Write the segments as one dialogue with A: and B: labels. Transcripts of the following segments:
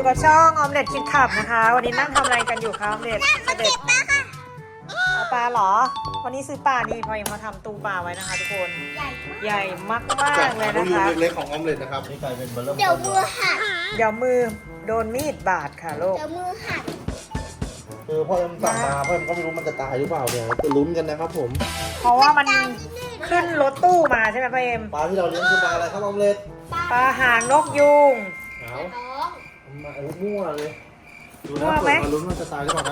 A: กับช่องออมเล็ตคิดขับนะคะวันนี้นั่งทำอะไรกันอยู่คะออมเล็ต
B: มาเก็บปลาค่ะ
A: เอาปลาเหรอวันนี้ซื้อปลานี่พอยังมาทำตู้ปลาไว้นะคะทุกคน
B: ใหญ่มาก
A: ใหญ่มากๆเลย
C: ลู
A: นะ
C: กยู
A: คะ
C: เล็กๆของออมเล็ตนะครับนี่กลายเป็นเบอร์เริ่ม
B: เดี๋ยวมือหัก
A: เดี๋ยวมือโดนมีดบาดค่ะลูก
B: เดี๋ยวมือหัก
C: คือพ่อเอ็มสั่งมาพ่อเอ็มก็ไม่รู้มันจะตายหรือเปล่าเนี่ยจะลุ้นกันนะครับผม
A: เพราะว่ามันขึ้นรถตู้มาใช่ไหมพ่อเอ็ม
C: ปลาที่เราเลี้ยงคือปลาอะไรครับออมเล็ต
A: ปลาหางนกยูง
C: เอา
B: น้อง
C: มาโอ้มั่วเลยดู
A: มั่
C: นะ
A: วไหม
C: เปิดมาลุ้นว่าจะตายหรือเปล่านะ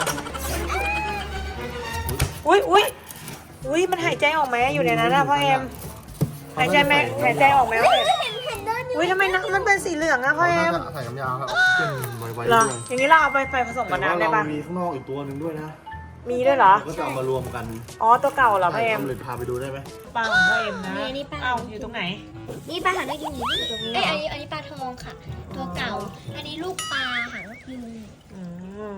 A: อุ้ยมันหายใจออกไหมอยู่ในนั้นนะพ่อเอ็มหายใจไหมหายใจออกไหมพ่อเอ็ม
B: เห็นเดินอยู่
A: อุ้ยทำไมน้ำมันเป็นสีเหลืองอะพ่อเอ็ม
C: น่าจะใส่น้ำยาครับขึ้นไวๆ
A: เหรอ
C: ด้วย
A: อย่างนี้เราเอาไปผสมกับ
C: แต่ว่า
A: น้ำได้
C: เรา
A: ปะ
C: มีข้างนอกอีกตัวหนึ่งด้วยนะ
A: มีด้วยเหรอ
C: ก็จะเอามารวมกัน
A: อ๋อตัวเก่าเหรอพ่อเอ็ม
C: ออมเล็ตพาไปดูได้ไหม
A: ปลาของพ่อเอ็มนะ
B: นี่ปลา
A: เอ้าอยู่ตรงไหน
B: นี่ปลาหางนกยูงอยู่นี่
A: ตรงนี้เหรอ
B: อันนี้ปลาทองค่ะ ตัวเก่า อันนี้ลูกปลาหางนกยูง
A: อืม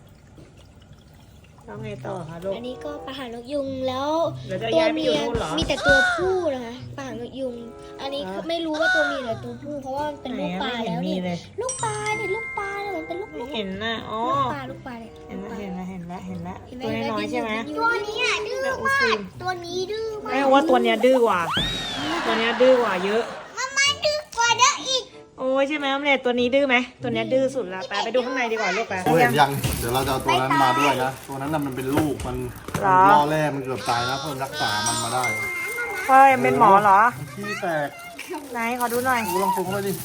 A: แล้วไงต่อคะลูก
B: อันนี้ก็ปลาหางนกยูงแล้ว
A: เดี๋ยวจะ
B: ตัว
A: ย้ายไปอ
B: เมี
A: ยู่
B: ย
A: นู่นเหรอ
B: มีแต่ตัวผู้นะคะปลาหางนกยูงอันนี้
A: เหรอ
B: ไม่รู้ว่าตัวเมียหรือตัวผู้เพราะว่ามันเป็นลูกปลา
A: ไหนอะไม่
B: แล้ว
A: เห็นมี
B: นี่
A: เลย
B: ลูกปลาเนี่ยลูกปลาเนี่ยมันเป็นลูก
A: ไม่เห็นนะอ๋อ
B: ลูกปลาเนี่ย
A: เห็นแล้วเห็นแล้วเห็นแล้วเห็นแล้ว
B: เห็นไหม
A: ตัวน้อยๆใช่ไหม
B: ตัวนี้อ่ะดื้อ
A: แม่อุ
B: มา
A: ซิ
B: ก
A: ม
B: ตัวนี้ดื้อมา
A: แม่
B: ก
A: ว่าตัวเนี้ยดื้อกว่า ตัวเนี้ยดื้อกว่าเยอะ
B: มันดื้อกว่าเด้ออีก
A: โอ้ยใช่ไหมออมเล็ตตัวนี้ดื้อไหมตัวเนี้ยดื้อสุดละไปดูข้างในดีกว่าลูกไป
C: โอ้ยเห็นยังเดี๋ยวเราจะเอาตัวนั้นมาด้วยนะตัวนั้นน่ะมันเป็นลูกมันล่อแร่มันเกือบตายนะเพิ่มรักษามันมาได้
A: พ่อเอ็มเป็นหมอเหรอ
C: ขี้แตก
A: ไหนขอดูหน่อย
C: ดูลองซูมเข้าไปดิ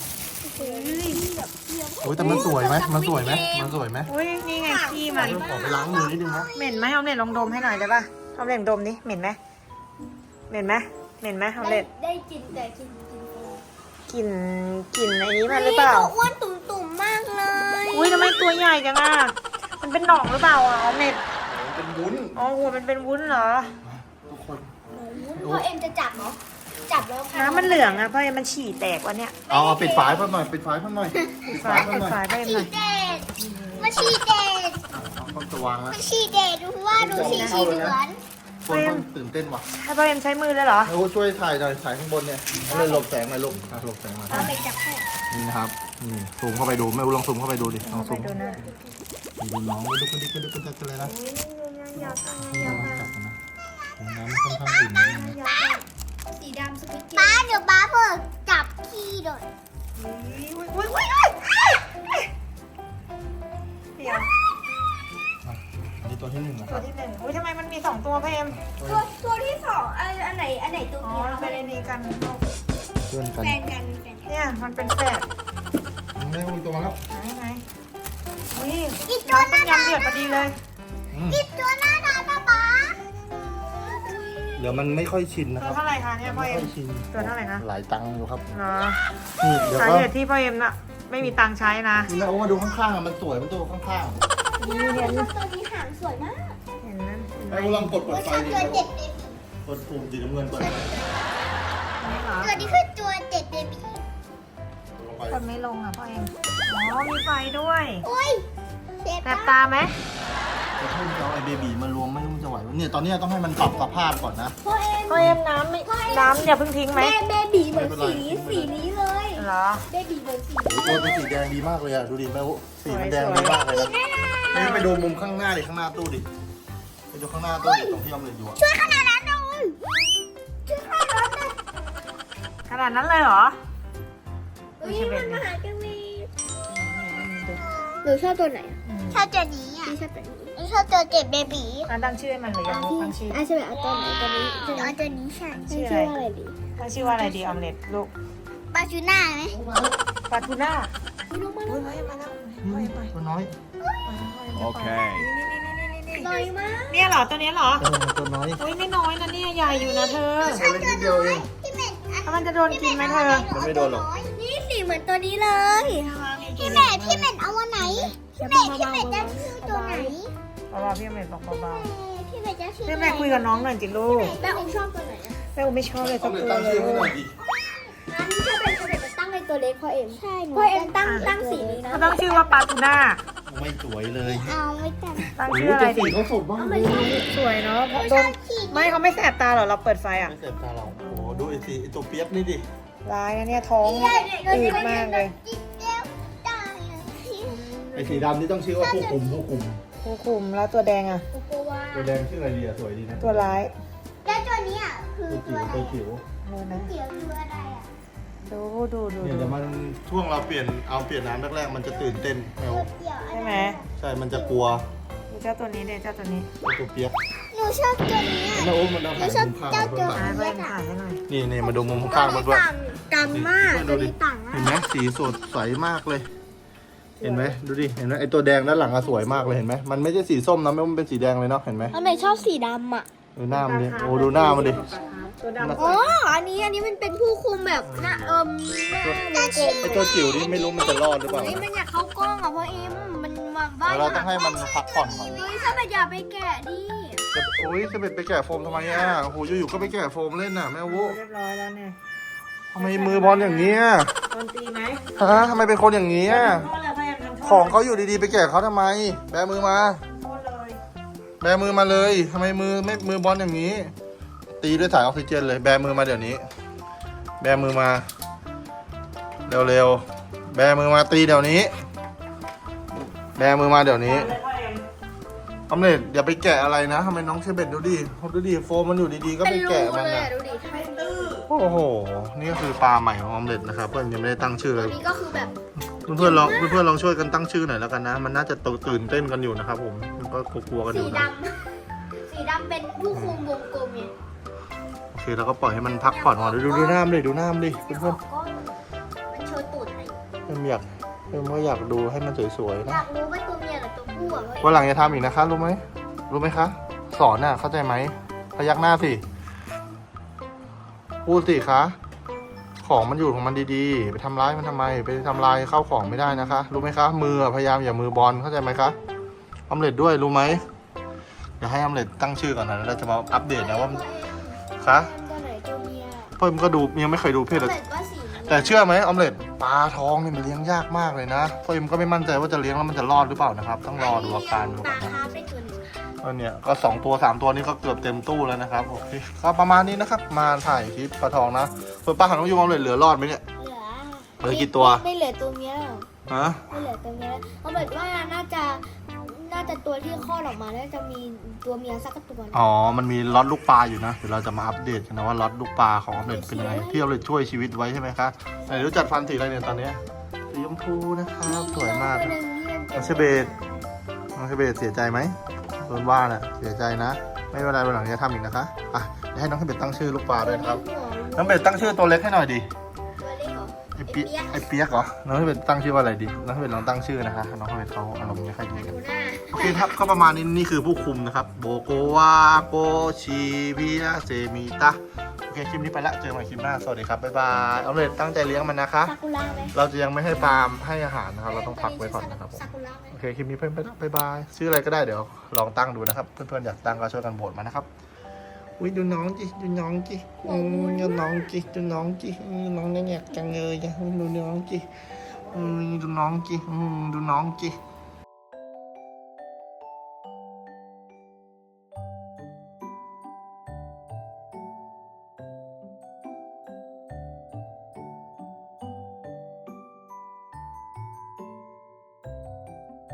C: โอ้ยแต่มันสวยไหมมันสวยไหมมันสวยไหม
A: อุ้ยนี่ไงขี้มัน
C: ขอไปล้างมือนิดนึงนะ
A: เหม็นไหมออมเล็ตลองดมให้หน่อยได้ปะออมเล็ตดมดิเหม็นไหมเหม็นไหมเหม็นไหมออมเล็ต
B: ได้กินแต่กิน
A: กลิ่นกลิ่นไอ้นี้มันหรือเปล่า
B: อ้วนตุ่มๆมากเลย
A: อุ้ยทำไมตัวใหญ่จังอ่ะมันเป็นหนองหรือเปล่าอ่ะออมเล็ต
C: เป็นวุ้น
A: อ๋อหัวมันเป็นวุ้นเหรอ
C: ทุกคน
B: พ่อเอ็มจะจับเหรอจับแล้วค่ะ
A: น้ำมันเหลืองอ่ะเพราะมันฉี่แตกวะเนี่ย
C: เอาปิดฝายเพิ่มหน่อยปิดฝายเพิ่มหน่อย
A: ปิดฝายปิดฝายไปหน่อย
B: ฉี่เดดมาฉี่เดด
C: เอาต้องจะวางแล้ว
B: มาฉี่เดดดูว่าดูสีเหลือง
C: คนต้องตื่นเต้นว่ะ
A: ให้พ่อเอ็มใช้มือเลยเหรอ
C: แล้วช่วยถ่ายหน่อยถ่ายข้างบนเนี่ยเลยหลบแสงหน่อยลูกหลบแสงหน่อย
B: เอาไปจับให้
C: นี่นะครับนี่ซูมเข้าไปดูไม่รู้ลองซูมเข้าไปดูดิลอง
A: ไป
C: ซูม
A: ดูนะ
C: ดูน้องดูกระดิกกระดิกกระดิกเลยนะจับกันนะน้ำค่อนข้างดื่มนิดนึงนะ
B: สีดำสปิกเกอร์ป้าเดี๋ยวป้าเพิ่งจับขี้โดด
A: อุ้ยเดี๋ยว
C: อันนี้ตัวที่หนึ่งนะค
A: ตั
C: รั
A: ว
C: บ
A: ที่หนึ่งอุ้ยทำไมมันมี2ตัวพ่อเอ็ม
B: ตัวที่สองอันไหนตัว
A: อ๋อ
B: เมีย
A: เป็นไอ้นี่กัน
C: เพื่อนกัน
B: แฟนกัน
A: เนี่ยมันเป็นแฝด
C: ไม่มีตัวมาแล้ว
A: ไหนอุ้ย
B: อีกตัวน่า
A: ต้ม
B: รั
A: ยำเดือดพอดีเลย
B: อีกตัวน่ารักนะป้า
C: เดี๋ยวมันไม่ค่อยชินนะ
A: ตั
C: คว รับ
A: เท่าไหร่คะเนี่ยพ่อ
C: ไม่
A: เอ็
C: ค่
A: ม
C: อยชิน
A: ตัวเท่าไหร่นะ
C: หลายตังค์อยู่ครับ
A: เนาะ
C: นี่เดี๋ยว
A: สา
C: ก็
A: เหตุที่พ่อเอ็มน่ะไม่มีตังค์ใช้นะ
C: นี่นะโอ้มาดูข้างๆอ่ะมันสวยมันตัวข้าง
A: นี่เห็น
B: ตัวนี้หางสวยมาก
A: เห็นนั้น
C: ๆไอ้ลองกด
B: ว่า
C: ไฟ
B: ชอบ
C: ดิ
B: ตัวเด็ดเบบี
C: กดปุ่มสีน้ำเงินเปิดไฟ
A: นี่เหรอ
B: ตัวนี้คือตัวเด็ดเบบี
C: ลงไป
A: กดไม่ลงอ่ะพ่อเอ็มอ๋อมีไฟด้วย
B: โอ้ยเจ็บ
A: แสบตาไหม
C: จะเพิ่มจะเอาไอ้เบบีมารวมไม่รู้มันจะไหววะเนี่ยตอนนี้ต้องให้มันปรับสภาพก่อนนะ
B: พ่อเอ็ม
A: พ่อเอ็มน้ำอย่าเพิ่งทิ้งไหม
B: เบบีเหมือน
C: ไม่เป็นไร
B: สีนี้เลย
A: เหรอ
B: เบบีเหมือนสี
C: ตัวเป็นสีแดงดีมากเลยอ่ะดูดิแม่สีมันแดงดีมากเลยนะนี่ไปดูมุมข้างหน้าดิข้างหน้าตู้ดิไปดูข้างหน้าตู้ดิตรงที่ออมเล็ตอยู่อ่ะ
B: ช่วยขนาดนั้นหน่อยช่วยขนาดนั้นหน่อย
A: ขนาดนั้นเลยเหรอ
B: เฮ้ยมันมาหาจังเลยหนูชอบตัวไหนอ่ะชอบตัวนี้อ่ะชอบตัวนี้ชอบตัวเด็ดเบบี
A: ตั้งชื่อให้มันหรือยังลูกตั้งชื่อ
B: ใช่ไหมเอาตัวไหนตัวนี้เอาตัวนี้ใช่
A: ชื่อ
B: ชื่อ
A: อะไร
B: อะไรดี
A: ตั้งชื่อว่าอะไรดีออมเล็ตลูก
B: ปลาชูน่าไหม
A: ปลาทูน่า
B: ลงมา
A: เฮ้ยมาแล้วพ่อเอ็มไป
C: ตัวน้อย
A: โอเค
B: ลอยมาก
A: เนี่ยเหรอตัวเนี้ยเหรอ
C: ตัวน้อย
A: อุ้ยไม่น้อยนะเนี่ยใหญ่อยู่นะเธอ
C: ตัวเล็กนิดเดียวเอง
B: พี่เม็ด
A: แล้วมันจะโดนกินไหมเธอ
C: มันไม่โดนหรอก
B: นี่สีเหมือนตัวนี้เลยพี่เม็ดเอาวันไหนพี่เม็ดจะชื่อตัวไหน
A: เบาๆพี่ออมเล็ตบอกเบา
B: พี่เม็ดจะชื่
A: ๆ
B: อ
A: พี่แม่คุยกับน้องหน่อยจิลูก
B: แม่อุ้มชอบตัวไหนอ่ะ
A: แม่อุ้มไม่ชอบเลย
C: อ
A: สั
C: อก มเล็ต
A: ตัว
C: ตั้ง
A: เล
C: ชื่อให้หน่อย
A: ย
C: ดิ
B: งั้นถ้าเป็นตัวเด็กจะตั้งในตัวเล็กพ่อเอ็มใช่พ่อเอ็มตั้งสีนี้นะ
A: เขาต้องชื่อว่าปลาทูน่า
C: ไม่สวยเลย
B: เอาไม่ตั้ง
A: ตั้ง
C: โอ้
A: ชื่ออะไร
C: สี
A: ดี
C: เขาสดมากเลย
A: สวยเนาะเพราะโดนไม่เขาไม่แสบตาเหรอเราเปิดไฟอ่ะ
C: ไม่เสพตาเราโอ้โหดูไอ้สีไอ้ตัวเปียกนี่ดิ
A: ร้ายนะเนี่ยท้องอืดมากเลย
B: จิ๊กเดียวตาย
C: ไอ้สีดำนี่ต้องชื่อว่าผู้คุม
A: ผู้คุมแล้วตัวแดงอ่ะ
B: โกโกวา
C: ตัวแดงชื่ออะไรดีอะสวยดีนะ
A: ตัวร้าย
B: แล้วตัวนี้อ่ะคือ
C: ตัว
B: ตัว
C: จิ๋ว
B: อะไร
C: ตัวจิ๋ว
A: ดูนะ
B: เกี่ยวคืออะไรอ่ะ
A: ดู
C: เนี่ยเดี๋ยวมันช่วงเราเปลี่ยนน้ำแรกๆมันจะตื่นเต้นแมว
B: เกี่ยวอะไร
A: ใช่ไหม
C: ใช่มันจะกลัว
A: ดูเจ้าตัวนี้เดี๋ยวเจ้าตัวนี้
C: ตัวเปียก
B: หนูชอบตัวนี้อ่ะ
C: แม่โอ้มันเอา
B: หนู
C: หาง
B: ชอบ
C: มุมข้าง
B: เจ้า
C: มา
B: ตัว
C: เพื่อน
A: อ่าเพื่อนถ่ายให้หน่อย
C: นี่มาดูมุมข้างมาด้วย
B: ต่างมาก
C: ดู
B: ตัว
C: ดิ
B: นี้ต่างมา
C: เห็น
B: ก
C: ไหมสีสดใสมากเลย เห็นไหมดูดิเห็นไหมไอตัวแดงด้านหลังอะสวยมากเลยเห็นไหมมันไม่ใช่สีส้มนะมันเป็นสีแดงเลยเนาะเห็นไหม
B: ทำไมชอบสีดำอ่ะ
C: ดูหน้ามันดิโอ้ดูหน้ามันดิ
A: ตัวดำ
B: อ๋ออันนี้มันเป็นผู้คุมแบบหน้าหน้าวงกลม
C: ไอตัวจิ๋วนี่ไม่รู้มันจะรอดหรือเปล่า
B: นี่มันอยากเข้ากล้องอ่ะเพราะเอ็มมันมาบ้าน
C: เราต้องให้มันพักผ่อนก่อน
B: เฮ้ยถ้ามันอย่าไปแกะดิ
C: โอ้ยจะไปแกะโฟมทำไมอ่ะโอ้โหอยู่ๆก็ไปแกะโฟมเล่นน่ะแม่วุ
A: เรียบร้อยแล้วเนี่ย
C: ทำไมมือบอลอย่างเงี้ย
A: โดนตีไหม
C: ฮะทำไมเป็นคนอย่างเงี้ย
A: โทษเลยพยายามทำโทษ
C: ของเขาอยู่ดีๆไปแกะเขาทำไม แบมือมา
A: โทษเลย
C: แบมือมาเลยทำไมมือบอลอย่างนี้ ตีด้วยสายออกซิเจนเลย แบมือมาเดี๋ยวนี้ แบมือมา เร็วๆ แบมือมาตีเดี๋ยวนี้ แบมือมาเดี๋ยวนี้
A: เลยพ่อเอ็ม
C: ออมเล็ตอย่าไปแกะอะไรนะทำไมน้องเชเบตดูดิโฟมมันอยู่ดีๆก็ไปแกะมัน
B: เลย
C: อ่ะ
B: อ่ะดูดิทำไม
A: ตื้อ
C: โอ้โห นี่ก็คือปลาใหม่ของออมเล็ตนะครับเพื่อนยังไม่ได้ตั้งชื่อเล
B: อั
C: ย
B: นนี้ก็คือแบบ
C: เพื่อนๆลองช่วยกันตั้งชื่อหน่อยแล้วกันนะ มันน่าจะตื่นเต้นกันอยู่นะครับผมมันก็กลัวๆกันอ
B: สี
C: ยู่
B: ด
C: นะ
B: ำสีดำเป็นผู้คุมวงกลมไง
C: โอเคแล้วก็ปล่อยให้มันพักผ่อนก่อนดูหน้ามันดิดูหน้ามันดิ
B: แต่
C: เพื่อน
B: ก็มันโชว์ตูดให้
C: ๆเพื่อนอยากดูให้มันสวยๆ
B: อ
C: นะ
B: ยากรู้ว่าตัวเมียกับตัวผู้อ่ะ
C: วันหลังจะทำอีกนะคะรู้ไหมคะสอนน่ะเข้าใจไหมพยักหน้าสิพูดสิคะของมันอยู่ของมันดีๆไปทำร้ายมันทำไมไปทำลายข้าวของไม่ได้นะคะรู้ไหมคะมือพยายามอย่ามือบอลเข้าใจไหมคะออมเล็ตด้วยรู้ไหมเดี๋ยวให้ออมเล็ตตั้งชื่อก่อนนะแล้วเราจะมาอัปเดตนะว่าคะ
B: ตัวไหนตัวเมีย
C: เพิ่มก็ดูยังไม่เคยดูเพศเลย
B: เหมือนว่าสี
C: แต่เชื่อไหมออมเล็ตปลาทองนี่มันเลี้ยงยากมากเลยนะเพิ่มก็ไม่มั่นใจว่าจะเลี้ยงแล้วมันจะรอดหรือเปล่านะครับต้องรอดูอาการดู
B: ป
C: ก่อ
B: ลาน
C: นะ
B: คาร์ฟได้ตัวหนึ่ง
C: เนี่ยก็2ตัว3ตัวนี้ก็เกือบเต็มตู้แล้วนะครับโอเคก็ประมาณนี้นะครับมาถ่ายคลิปปลาทองนะส่วนปลาหางนกยูงออมเล็ตเหลือรอดไหมเนี่ย
B: เหลือ
C: กี่ตัว
B: ไม่เหลือตัวเมียแล้ว
C: ฮะ
B: ไม่เหลือตัวเมียแล้วเอาแบบว่าน่าจะตัวที่คลอดออกมาน่าจะมีตัวเมียสักตัวหนึ่ง
C: อ๋อมันมีล็อตลูกปลาอยู่นะเดี๋ยวเราจะมาอัปเดตกันนะว่าล็อตลูกปลาของออมเล็ตเป็นยังไงที่ออมเล็ตช่วยชีวิตไว้ใช่ไหมคะไหนรู้จัดฟันสีอะไรเนี่ยตอนเนี้ยสีชมพูนะครับสวยมาก
B: ตัวหนึ่งที่มันป็น
C: น้องเชเบต น้องเชเบตเสียใจไหมโดนว่าน่ะเสียใจนะ ไม่เป็นไรวันหลังจะทำอีกนะคะอ่ะเดี๋ยวให้น้องเชเบตตั้งชื่อลูกปลาด้วยนะครับ น้องเบตตั้งชื่อตัวเล็กให้หน่อยดิ
B: ตัวเล็กเหรอ
C: ไอเปียกเหรอ น้องเชเบตตั้งชื่อว่าอะไรดี น้องเชเบตลองตั้งชื่อนะคะ น้องเชเบตเขาอารมณ์ไม่ค่อยดีกัน
B: ดูหน้า
C: โอเคครับก็ประมาณนี้นี่คือผู้คุมนะครับ โบโกวาโกชิบินาเซมิตะโอเคคลิปนี้ไปละเจอกันใหม่คลิปหน้าสวัสดีครับบ๊ายบายเอาเลยตั้งใจเลี้ยงมันนะคะ
B: ซากุระไหม
C: เราจะยังไม่ให้ปาล์มให้อาหารนะครับ เราต้องพักไว้ก่อนนะครับผม
B: ซากุระไหม
C: โอเคคลิปนี้เพื่อนไปละบ๊ายบายชื่ออะไรก็ได้เดี๋ยวลองตั้งดูนะครับ เพื่อนๆอยากตั้งก็ช่วยกันโหวตมานะครับอุ้ยดูน้องจิดูน้องจิดูน้องจิดูน้องจิน้องเนี่ยจังเลยดูน้องจิดูน้องจิดูน้องจิ